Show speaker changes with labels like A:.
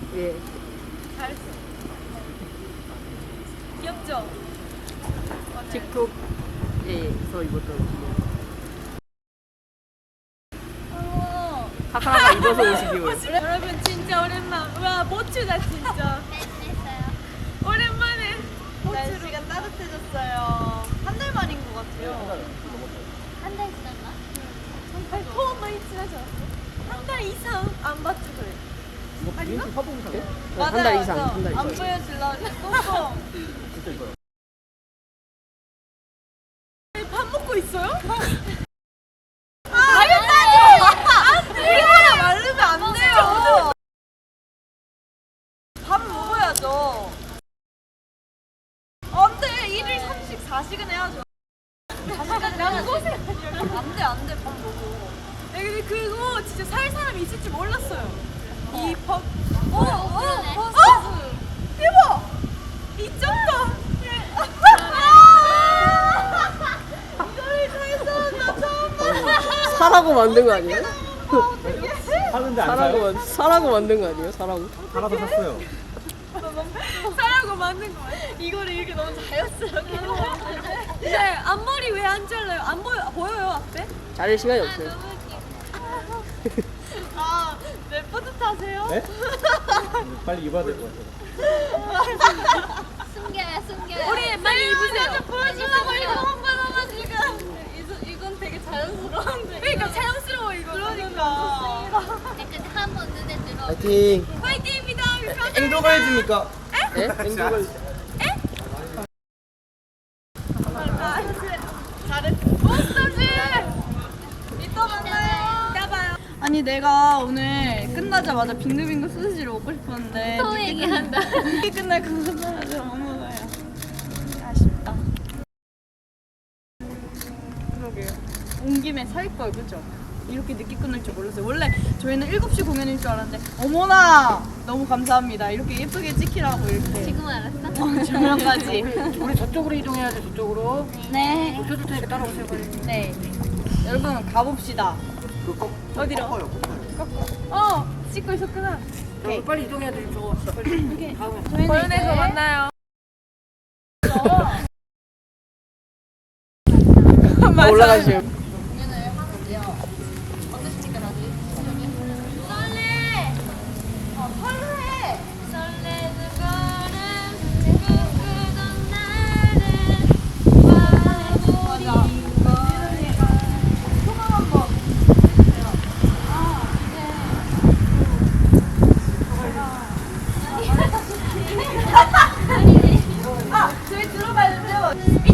A: 예.
B: 잘했어. 귀엽죠?
A: 틱톡에서 입었던 옷이요. 하하가 입어서 오시기요.
B: 여러분 진짜 오랜만. 와 멋지다 진짜. 오랜만에
C: 날씨가 따뜻해졌어요. 한 달 만인 것 같아요.
D: 한 달 지났나?
B: 포함 많이 지나지 않았어? 한 달 이상 안 봤지 그래.
A: 이거 비행기 화보상이요?
C: 맞아요,
A: 한 달 이상,
C: 맞아.
A: 한 달
C: 안
A: 이상.
C: 보여주려고 꽁꽁.
A: 진짜 이거요.
B: 밥 먹고 있어요?
C: 우리 하나 말르면 안 돼요. 밥 먹어야죠. 안 돼. 1일 34시간 해야죠. 4시간 나는 소세. 안 돼. 밥 먹어.
B: 야 근데 그거 진짜 살 사람이 있을 줄 몰랐어요. 이 법.
D: 그러네.
B: 대박. 미쳤다.
C: 이거를 사서 나 처음 봐.
A: 사라고 만든 거 아니에요?
E: 사는데 안 사요?
A: 사라고 만든 거 아니에요? 사라고?
E: 살아서 샀어요.
B: 사라고 만든 거 같아.
C: 이거를 이렇게 너무 자연스럽게.
B: 근데 앞머리 왜 안 잘라요? 안 보여요 앞에?
A: 자를 시간이 없어요.
C: 아, 왜 뿌듯하세요?
E: 네? 빨리 입어야 될 것 같아요.
D: 숨겨요.
B: 우리 빨리 입으세요.
C: 보여주려고 이거 한 거잖아 지금. 이건 되게 자연스러운데.
B: 그러니까 자연스러워 이거.
C: 그러니까.
D: 약간 한번 눈에 들어.
A: 파이팅!
B: 화이팅입니다.
E: 행동을 해줍니까?
A: 예? 행복을.
C: 이따 만나요.
B: 이따 봐요.
C: 아니 내가 오늘 끝나자마자 빙글빙글 소시지를 먹고 싶었는데
D: 또 얘기한다.
C: 늦게 끝날 것 같아서 못 먹어요. 아쉽다. 그러게요. 온 김에 살 걸, 그죠? 이렇게 늦게 끝날 줄 몰랐어요. 원래 저희는 7시 공연일 줄 알았는데 어머나! 너무 감사합니다. 이렇게 예쁘게 찍히라고 이렇게
D: 지금 알았어?
C: 조명까지.
A: 우리 저쪽으로 이동해야 돼, 저쪽으로.
C: 네.
A: 켜줄 테니까 따라오세요, 빨리.
C: 네. 여러분 가봅시다.
B: 어디로? 찍고 있었구나.
A: 오케이. 빨리 이동해야 돼, 저거. 빨리. 다음에.
C: 저희는
B: 공연에서
C: 이제
B: 만나요.
A: 올라가시죠.
D: 설레는 걸음 꿈꾸던 날은 와버린
B: 저희 들어봐야 돼요.